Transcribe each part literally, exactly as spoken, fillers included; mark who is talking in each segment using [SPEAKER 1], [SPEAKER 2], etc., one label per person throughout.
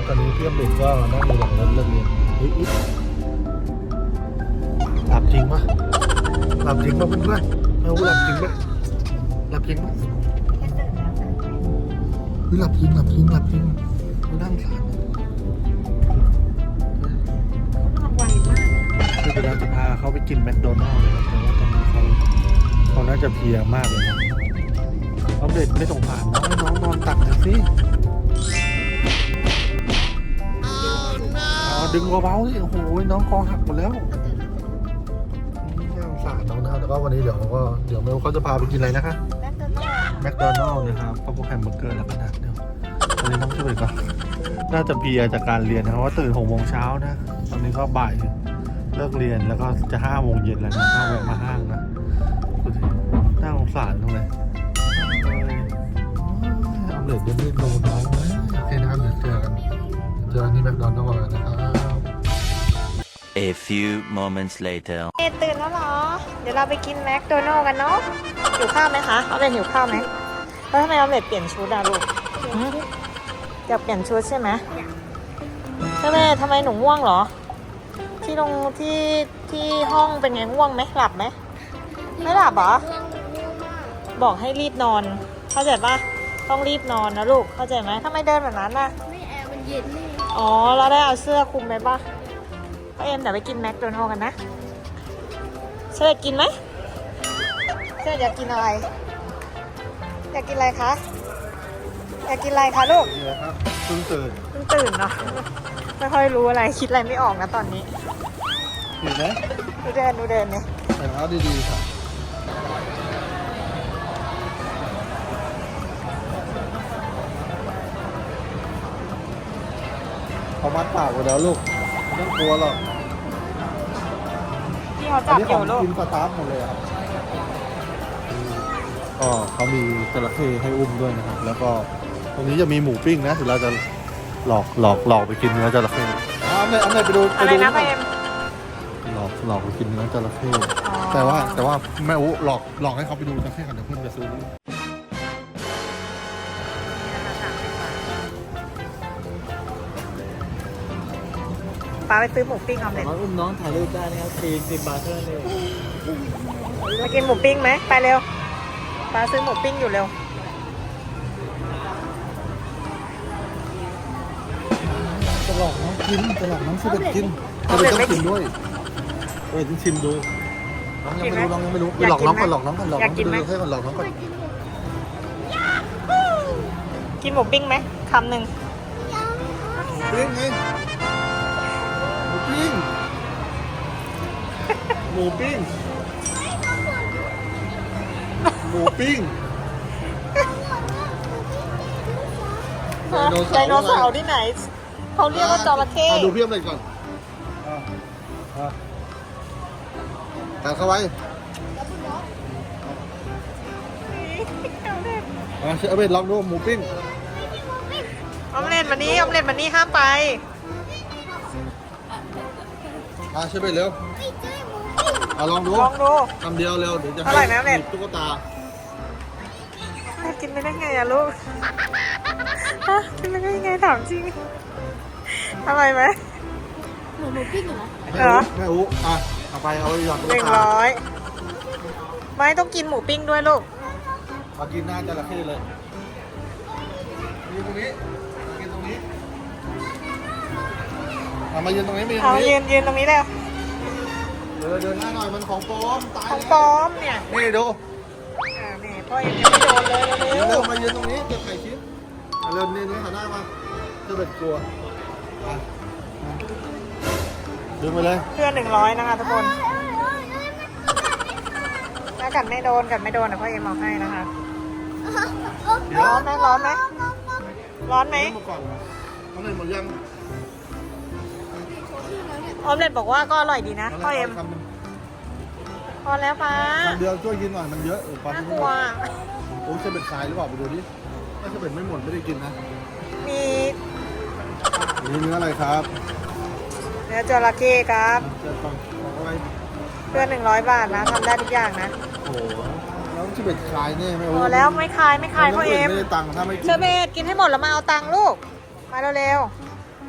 [SPEAKER 1] ตอนนี้เพื่อนเด็กก็นั่งอยู่หลังรถเลิกเรียนเฮ้ยหลับจริงปะหลับจริงปะเพื่อนๆเอาหลับจริงปะหลับจริงปะเฮ้ยหลับจริงหลับจริงหลับจริงเขานั่งสาร
[SPEAKER 2] ไวมาก
[SPEAKER 1] คือเดี๋ยวเราจะพาเขาไปกินแมคโดนัลด์เลยครับแต่ว่าตอนนี้เขาเขาน่าจะเพลียมากเลยนะเอาเด็กไม่สงสารน้องให้น้องนอนตักหน่อยสิเอาดึงเบาๆสิโอ้โหน้องคอหักหมดแล้วน่าสงสารน้องนะครับแล้วก็วันนี้เดี๋ยวก็เดี๋ยวเมลเขาจะพาไปกินอะไรนะคะแมคโดนัลด์นะครับข้าวโพดแฮมเบอร์เกอร์แล้วก็นะเดี๋ยววันนี้น้องช่วยก่อนน่าจะเพลียจากการเรียนนะครับว่าตื่นหกโมงเช้านะตอนนี้ก็บ่ายเลิกเรียนแล้วก็จะห้าโมงเย็นแล้วนะต้องแวะมาห้างนะน่าสงสารตรงไหนเอาเลยจะไม่ดูน้องนะโอเคนะครับเดี๋ยวเจอกันเจอกันที่แมคโดนัลด์นะครับ
[SPEAKER 3] A few moments later
[SPEAKER 2] เอตื่นแล้วเหรอเดี๋ยวเราไปกินแมคโดนัลด์กันเนาะหิวข้าวไหมคะเอาเลยหิวข้าวไหมแล้วทำไมเอาเลยเปลี่ยนชุดอะลูกอยากเปลี่ยนชุดใช่ไหมใช่ไหมทำไมหนูง่วงเหรอที่ลงที่ที่ห้องเป็นไงง่วงไหมหลับไหมไม่หลับเหรอบอกให้รีบนอนเข้าใจปะต้องรีบนอนนะลูกเข้าใจไหมทำไมเดินแบบนั้นน่ะ
[SPEAKER 4] ไม่แอร์มันเย็นนี่
[SPEAKER 2] อ๋อเราได้เอาเสื้อคลุมไปปะพ่อเอ็มเดี๋ยวไปกินแมคโดนัลด์กันนะเชฟกินไหมเชฟอยากกินอะไรอยากกินอะไรคะอยากกินอะไรคะลูก
[SPEAKER 1] นี่แหละครับเพิ่งตื่น
[SPEAKER 2] เพิ่งตื่นเนาะไม่ค่อยรู้อะไรคิดอะไรไม่ออกนะตอนนี้
[SPEAKER 1] เห็นไหม
[SPEAKER 2] ดูเดินดูเดินเนี่ย
[SPEAKER 1] ใส่เท้าดีๆค่ะเขามัดปากไว้แล้วลูกไม่ต้องกลัวหรอก
[SPEAKER 2] ที่เขา
[SPEAKER 1] อั
[SPEAKER 2] จั
[SPEAKER 1] น
[SPEAKER 2] บ
[SPEAKER 1] นี้
[SPEAKER 2] อ
[SPEAKER 1] ของ
[SPEAKER 2] ยู่ลูก
[SPEAKER 1] กินสตาร์ทหมดเลยครับก็เขามีจระเข้ให้อุ้มด้วยนะครับแล้วก็ตรงนี้จะมีหมูปิ้งนะเดี๋ยวเราจะหลอกหลอกหลอกไปกินเนื้อจระเข้เอาเลยเอาเลยไปดูไป
[SPEAKER 2] อะไร
[SPEAKER 1] ดู
[SPEAKER 2] นะพ่อเอ็ม
[SPEAKER 1] หลอกหลอกไปกินเนื้อจระเข้แต่ว่าแต่ว่าแม่อุ๊หลอกหลอกให้เขาไปดูจระเข้ก่อนเดี๋ยวเพื่อนจะซื้อ
[SPEAKER 2] ป้าไปซื้อหมูปิ้งเอาเลย
[SPEAKER 5] สามารถอุ้มน้องถ่ายรูปได้นะครับสี่สิบบาทเท่านั้นเอง
[SPEAKER 2] มากินหมูปิ้งไหมไปเร็วป้าซื้อหมูปิ้งอยู่เร็ว
[SPEAKER 1] จะหลอกน้องกินจะหลอกน้องชิมกินจะไปต้องกินด้วยเออต้องชิมดูน้องยังไม่รู้น้องยังไม่รู้ไปหลอกน้องก่อนหลอกน้องก่อนหลอกน้องไปดูให้ก่อนหลอกน้องก่อน
[SPEAKER 2] กินหมูปิ้งไหมคำหนึ่ง
[SPEAKER 1] ปิ้งไงหมูปิ้งหมูปิ้งหมูปิ้ง
[SPEAKER 2] ไดโนเสาร์ที่ไหนเขาเรียกว่าจระเข้
[SPEAKER 1] ดูเพียบเลยก่อนตัดเข้าไว้อ่ะเชฟเบนลองดูหมูปิ้ง
[SPEAKER 2] ออมเล็ตมานี้ออมเล็ตมานี้ห้ามไป
[SPEAKER 1] อ่ะเชฟเบนเร็วอ่ะลองดู
[SPEAKER 2] ลองดู
[SPEAKER 1] คำเดียวเร็วเดี๋ยวจะ
[SPEAKER 2] อร่อยไหมออมเล็ต
[SPEAKER 1] ตุ๊กตา
[SPEAKER 2] แม่กินไม่ได้ไงอะลูกฮะกินไม่ได้ไงถามจริงอร่อยไหม
[SPEAKER 4] เหมือนหมูปิ้งเหรอ
[SPEAKER 1] แม่อุ๊แม่อุ๊อ่ะเอาไปเอาไปหยอดตุ๊
[SPEAKER 2] ห
[SPEAKER 1] ก
[SPEAKER 2] นึ่ง
[SPEAKER 1] ตา
[SPEAKER 2] ร้อยไม่ต้องกินหมูปิ้งด้วยลูก
[SPEAKER 1] มากินหน้าจระเข้เลยยืนตรงนี้มากินตรงนี้เอามายืนตรงนี้มายืนต
[SPEAKER 2] เอา
[SPEAKER 1] รงนี้
[SPEAKER 2] ยืนยืนตรงนี้เลย
[SPEAKER 1] เดินเดินหน้าหน่อยมันของปลอมตาย
[SPEAKER 2] ของ
[SPEAKER 1] แล้ว
[SPEAKER 2] ปลอมเนี่ย
[SPEAKER 1] นี่ดู
[SPEAKER 2] อ่านี่พ่อเอ็มยังไม่โดนเลยเร็
[SPEAKER 1] เร็
[SPEAKER 2] ว
[SPEAKER 1] วมายืนตรงนี้จะถ่ายคลิปเอาเร็วนี่นี่หันหน้ามาจะเป็นกลัวมาดึงไปเลย
[SPEAKER 2] ๆเพื่อนหนึ่งร้อยนะคะทุกคนถ้ากัดไม่โดนกัดไม่โดนนะพ่อเอ็มเอาให้นะคะ
[SPEAKER 1] เดี๋ยว
[SPEAKER 2] ร้อนไหมร้อนไหมร้อนไหม
[SPEAKER 1] เริ่มมาก่อนเอาเลยหมดยัง
[SPEAKER 2] ออมเล็ตบอกว่าก็อร่อยดีนะพ่อเอ็ม
[SPEAKER 1] คำหนึ่ง
[SPEAKER 2] พอแล้วป้า
[SPEAKER 1] คำเดียวช่วยกินหน่อยมันเยอะเออปลา
[SPEAKER 2] น่า
[SPEAKER 1] ที่
[SPEAKER 2] ก
[SPEAKER 1] ไม่
[SPEAKER 2] ลั
[SPEAKER 1] หม
[SPEAKER 2] ว
[SPEAKER 1] ดโอ้จะเป็นทรายหรือเปล่าไปดูดิถ้าจะเป็นไม่หมดไม่ได้กินนะ
[SPEAKER 2] มี
[SPEAKER 1] นี่เนื้ออะไรครับ
[SPEAKER 2] เนื้อจระเข้ครับ
[SPEAKER 1] เจอฟังของอะไร
[SPEAKER 2] เพื่อนหนึ่งร้อยบาทนะทำได้ทุกอย่างนะ
[SPEAKER 1] โอ้โหแล้วจะเป็นคลายแน่ไหม
[SPEAKER 2] พอแล้วไม่คายไม่คายพ่อเอ็ม
[SPEAKER 1] ไม่ได้ตังค์ถ้าไม่กิน
[SPEAKER 2] เชอร์เบตกินให้หมดแล้วมาเอาตังค์ลูกมาเร็ว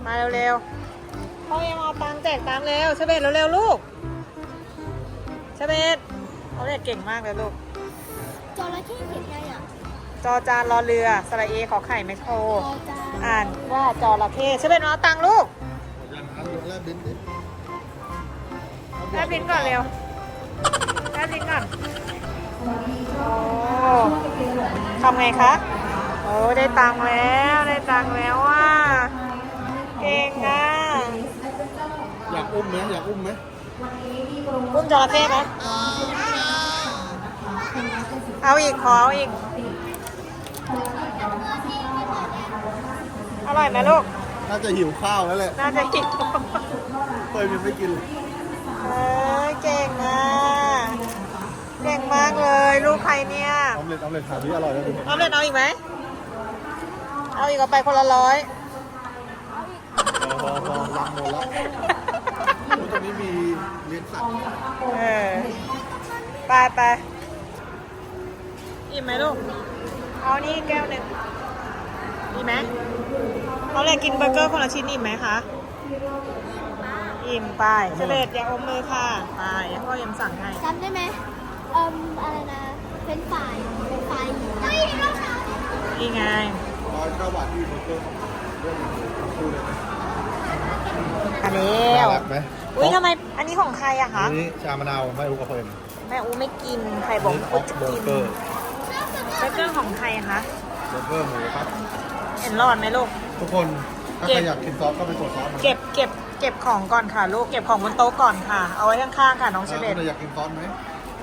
[SPEAKER 2] มาเร็วๆพ่อเอ็มเอาตังค์แจกตังค์เร็วเชเบตเร็วๆลูกเชเบตเขาเรียกเก่งมากเลยลูก
[SPEAKER 4] จระเข้เขียนไงอ่ะ
[SPEAKER 2] จอจานรอเรือสระเอขอไข่ไมโคร
[SPEAKER 4] จอจาน
[SPEAKER 2] อ่านว่าจระเข้เชเบตมาเอาตังค์ลูก
[SPEAKER 1] ยังครับยกแลบลิ้นดิ
[SPEAKER 2] แลบลิ้นก่อนเร็วแลบลิ้นก่อนโอ้ทำไงคะโอ้ได้ตังค์แล้วได้ตังค์แล้วว่าเก่งอ่ะ
[SPEAKER 1] อยากอุ้มไหมอยากอุ้มไหม
[SPEAKER 2] อุ้มจระเข้ไหมเอาอีกขอเอาอีกอร่อยไหมลูก
[SPEAKER 1] น่าจะหิวข้าวแล้วแหละ
[SPEAKER 2] น่าจะกิน
[SPEAKER 1] เพิ่มยังไม่กินเลย
[SPEAKER 2] เอ้ยเก่งอ่ะเก่งมากเลยลูกใครเนี่ย
[SPEAKER 1] ออมเล็ตออมเล็ตถามที่อร่อยแล้วดู
[SPEAKER 2] เอาเล่นเอาอีกไหมเอาอีกเอาไปคนละร้อย
[SPEAKER 1] พอพอพอรังหมดแล้วตรงนี้มีเลี้ยงสัตว์
[SPEAKER 2] เออไปไปอิ่มไหมลูกเอานี่แก้วหนึ่งอิ่มไหมเขาเลยกินเบอร์เกอร์คนละชิ้นอิ่มไหมคะอิ่มไปเฉลดอย่าอมมือค่ะไปอย่าพ่อยังสั่งให้
[SPEAKER 4] จำได้ไหมเอ่มอะไรนะเป็นฝ่ายเป็นฝ่ายเฮ้ยรองเท้า
[SPEAKER 2] นี่ไง
[SPEAKER 1] ร้อยเก้าบาทที่เบอร์เกอร์เรื่องดูเลยนะ
[SPEAKER 2] อันนี้
[SPEAKER 1] น่ารักไหม
[SPEAKER 2] อุ้ยทำไมอันนี้ของใครอะคะ
[SPEAKER 1] อันนี้ชามะนาวไม่รู้กับเพิ่ม
[SPEAKER 2] แม่อูไม่กินใครบอก
[SPEAKER 1] นี่อ
[SPEAKER 2] อู
[SPEAKER 1] อก
[SPEAKER 2] จะ
[SPEAKER 1] เบอ
[SPEAKER 2] กิน
[SPEAKER 1] ร์เกอร์
[SPEAKER 2] เบอร์เกอร์ของใครคะ
[SPEAKER 1] เบอร์เกอร์หมูครับ
[SPEAKER 2] เห็นรอดไหมลูก
[SPEAKER 1] ทุกคนถ้าใครอยากกินซอสก็ไปกดซอสมา
[SPEAKER 2] เก็บเก็บเก็บของก่อนค่ะลูกเก็บของบนโต๊ะก่อนค่ะ เอาไว้ข้างๆค่ะน้องเชเบต
[SPEAKER 1] ถ้าอยากกินซอสไหม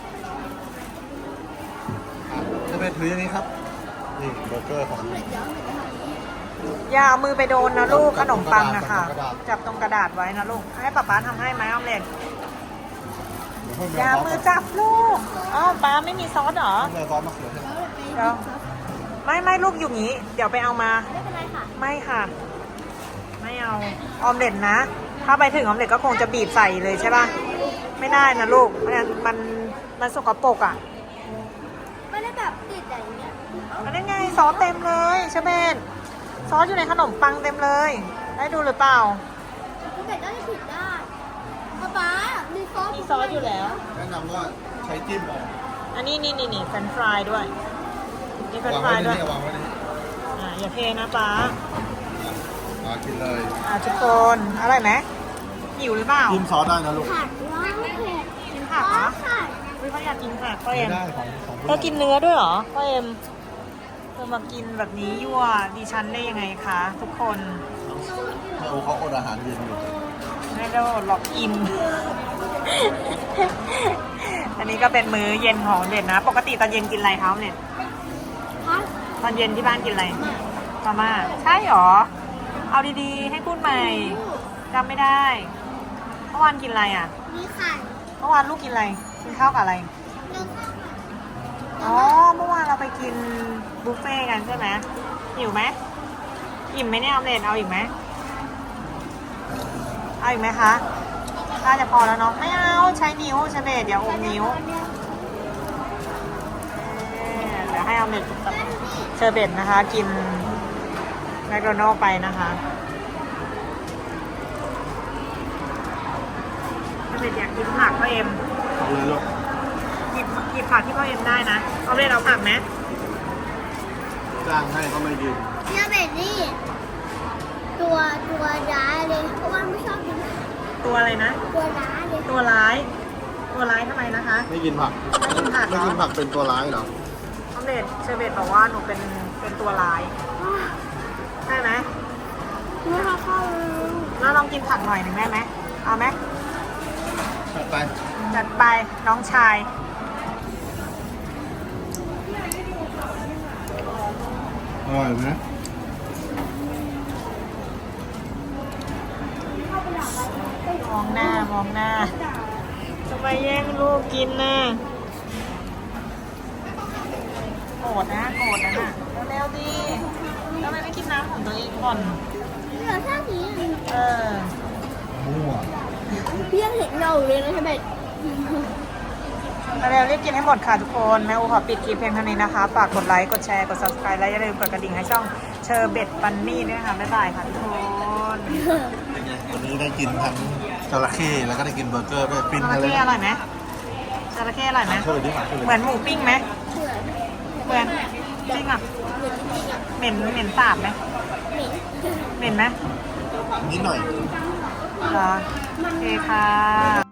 [SPEAKER 1] เชเบตถืออย่างนี้ครับนี่เบอร์เกอร์ของ
[SPEAKER 2] อย่าเอามือไปโดนนะลูกขนมปังนะคะ
[SPEAKER 1] จับตรงกระดาษ
[SPEAKER 2] จับตรงกระดาษไว้นะลูกให้ป๊าป๊าทำให้ไหมออมเล็ต
[SPEAKER 1] เดี๋ยวเพิ่ม
[SPEAKER 2] อย่ามือจับลูกอ๋อป๊าไม่มีซอสเหรอ
[SPEAKER 1] เพิ่มซอสมะเขือเทศ
[SPEAKER 2] เดี๋ยวไม่ไม่ลูกอยู่งี้ เดี๋ยวไปเอามา
[SPEAKER 4] ไม่เป็นไรค่ะ
[SPEAKER 2] ไม่ค่ะ ไม่เอาออมเล็ตนะ ถ้าไปถึงออมเล็ตก็คงจะบีบใส่เลยใช่ป่ะไม่ได้นะลูกเพราะฉะนั้นมันมันสกปรกอ่ะ
[SPEAKER 4] ไม่ได้แบบติดอะไรอย่างเงี้ย
[SPEAKER 2] อันนี้ไงซอสเต็มเลยใช่ไหมซอสอยู่ในขนมปังเต็มเลย ได้ดูหรือเปล่า
[SPEAKER 4] คุณเด็กน่าจะผิดได้ป๊าป๊ามีซอส
[SPEAKER 2] มีซอสอยู่แล้ว
[SPEAKER 1] แนะนำว่าใช้จิ้มออก
[SPEAKER 2] อันนี้นี่นี่นี่เฟรนช์ฟรายด้วยมีเฟรนช์
[SPEAKER 1] วาง
[SPEAKER 2] ฟรา
[SPEAKER 1] ไว้
[SPEAKER 2] ย
[SPEAKER 1] ใน
[SPEAKER 2] ด้วย
[SPEAKER 1] นี้วางไว้ในนี้
[SPEAKER 2] อ่าอย่าเทนะป๊า
[SPEAKER 1] มากินเลย
[SPEAKER 2] อ่าทุกคนอร่อยไหมหิวหรือเปล่า
[SPEAKER 1] จิ้มซอสได้นะลูก
[SPEAKER 4] ผัดว้าวเผ็ด
[SPEAKER 2] กินผักเหรอ
[SPEAKER 4] ค่ะ
[SPEAKER 2] อุ้ยเขาอยากกินผักพ่อ
[SPEAKER 1] ไม่
[SPEAKER 2] เอ็ม
[SPEAKER 1] ได้ของของผู้
[SPEAKER 2] เธอกินเนื้อด้วยเหรอพ่อเอ็มเธอมากินแบบนี้ยั่วดิฉันได้ยังไงคะทุกคน
[SPEAKER 1] แม่โอเขาอดอาหารเย็นอยู่
[SPEAKER 2] ไม่ได้หลอกอิ่ม อันนี้ก็เป็นมื้อเย็นของเด็ดนะ ปกติตอนเย็นกินอะไรคะเด็ด
[SPEAKER 4] ผัด
[SPEAKER 2] ตอนเย็นที่บ้านกินอะไรมาม่าใช่หรอ เอาดีๆ ให้พูดใหม่จำไม่ได้เมื่อวานกินอะไรอ่ะ
[SPEAKER 4] มีไข่
[SPEAKER 2] เมื่อวานลูกกินอะไรกินข้าวกับอะไร
[SPEAKER 4] เนื้อข้าว
[SPEAKER 2] อ๋อเมื่อวานเราไปกินบุฟเฟ่ต์กันใช่ไหมหิวไหมอิ่มไหมเนี่ยออมเล็ตเอาอีกไหมเอาอีกไหมคะน่าจะพอแล้วเนาะไม่เอาใช้นิ้วใช้เบสเดี๋ยวอมนิ้วเอ่อเดี๋ยวให้ออมเล็ตกับเชอร์เบตนะคะ กินแมคโดนัลด์ไปนะคะเชอร์เบตอยากกินผักพ่อเอ็ม
[SPEAKER 1] เอาเลยลูก
[SPEAKER 2] หยิบหยิบผักที่พ่อเอ็มได้นะเอาเล่นเอาผักไหม
[SPEAKER 1] จ้างให้ก็ไม่กิน
[SPEAKER 4] เนื้อเป็ดนี่ตัวตัวร้ายเลยเพราะว่าไม่ชอบกิน
[SPEAKER 2] ตัวอะไรนะ
[SPEAKER 4] ตัวร้ายเลย
[SPEAKER 2] ตัวร้าย ตัวร้ายทำไมนะคะ
[SPEAKER 1] ไม่กินผัก
[SPEAKER 2] ไม่กินผักเหร
[SPEAKER 1] ไม่
[SPEAKER 2] อ
[SPEAKER 1] กินผักเป็นตัวร้ายเหรอ
[SPEAKER 2] ออมเล็ตเชอร์เบตบอกว่าหนูเป็นเป็นตัวร้ายใช่ไหม
[SPEAKER 4] ไม่ชอบข้าว
[SPEAKER 2] แล้วลองกินผักหน่อยหนึ่งได้ไหมเอาไหม
[SPEAKER 1] จัดไป
[SPEAKER 2] จัดไปน้องชาย
[SPEAKER 1] อร่อยไหม
[SPEAKER 2] มองหน้ามองหน้าทำไมแย่งลูกกินน่ะโกรธนะโกรธนะน่ะเร็วๆดิทำไมไม่กินน้ำของตัวเองก่อน
[SPEAKER 4] เหลือแค่นี้
[SPEAKER 2] เออ
[SPEAKER 1] มั่ว
[SPEAKER 4] พี่ยังเห็นเงาเลยนะใช่ไหม
[SPEAKER 2] มาเร็วรีบกินให้หมดค่ะทุกคน แม่อูขอปิดคลิปเพียงเท่านี้นะคะ ฝากกดไลค์ กดแชร์ กด ซับสไครบ์ และอย่าลืมกดกระดิ่งให้ช่องเชอร์เบตฟันนี่ด้วยค่ะ บ๊ายบายค่ะทุกคน
[SPEAKER 1] วันนี้ได้กินทั้งจระเข้แล้วก็ได้กินเบอร์เกอร์ด้วยปิ้ง
[SPEAKER 2] จ
[SPEAKER 1] อะไร
[SPEAKER 2] ระเข้อร่อยไหมจระเข้อร่อยไหม
[SPEAKER 1] ช่วยดิหมาช่วย
[SPEAKER 2] เหมือนหมูปิ้งไหม
[SPEAKER 4] เหมือน
[SPEAKER 2] เหมือนจริงอ่ะ
[SPEAKER 4] เหมือนจริงๆอ่ะ
[SPEAKER 2] เหม็นเหม็นสาบไหม
[SPEAKER 4] เหม็น
[SPEAKER 2] เหม็นไหม
[SPEAKER 1] นิดหน่อย
[SPEAKER 2] เหรอโอเคค่ะ